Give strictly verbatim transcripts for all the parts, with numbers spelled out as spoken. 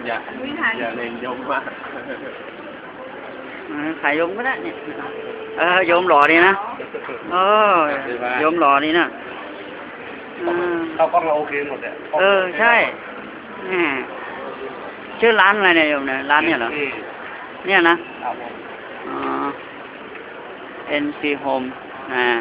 อย่าอย่าเน้นยมมากขายโยมก็ได้เนี่ยเออโยมหล่อดีนะเออโยมหล่อดีนะเขาก็เราโอเคหมดเลยเออใช่ชื่อร้านอะไรเนี่ยโยมเนี่ยร้านเนี่ยเหรอเนี่ยนะอ๋อ เอ็น ซี Home อ่า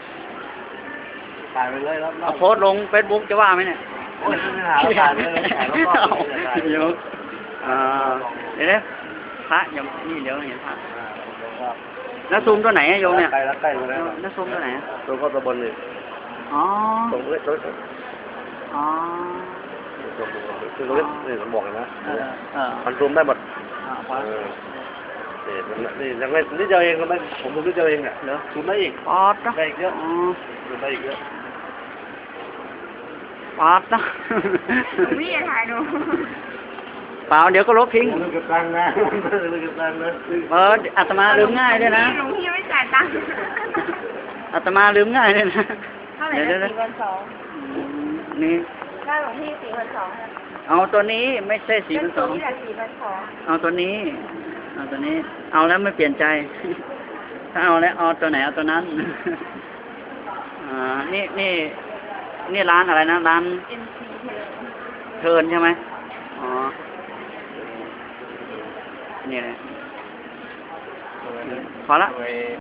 ถ่ายไปเลยแล้วเอาโพสต์ลงเฟซบุ๊กจะว่าไหมเนี่ยโอ้ยไม่หาถ่ายเลยถ่ายแล้วก็โยมอ่าเดี๋ยวนะพระยังนี่เดี๋ยวเห็นพระแล้วซูมตัวไหนโยมเนี่ยใกล้แล้วใกล้แล้วแล้วซูมตัวไหนตัวก็ตัวบนเลยอ๋อตรงนี้ตรงนี้อ๋อตรงนี้คือตรงนี้นี่ผมบอกนะมันซูมได้หมดนี่ยังไงนิดเดียวเองก็ไม่ผมซูมนิดเดียวเองเนี่ยเหรอซูมได้อีกปอดได้อีกเยอะซูมได้อีกเยอะปอดนะไม่อยากถ่ายดูเปล่าเดี๋ยวก็ลบทิ้งลืมเก็บตังค์นะลืมเก็บตังค์นะเอออาตมาลืมง่ายด้วยนะหลวงพี่ไม่จ่ายตังค์อาตมาลืมง่ายด้วยนะเท่าไหร่นะสี่พันสองนี่ค่าหลวงพี่สี่พันสองเอาตัวนี้ไม่ใช่สี่พันสองนี่แหละสี่พันสองเอาตัวนี้เอาตัวนี้เอาแล้วไม่เปลี่ยนใจถ้าเอาแล้วเอาตัวไหนเอาตัวนั้นอ่านี่นี่นี่ร้านอะไรนะร้านเทิร์นใช่ไหมอ๋อนี่แหละพอละ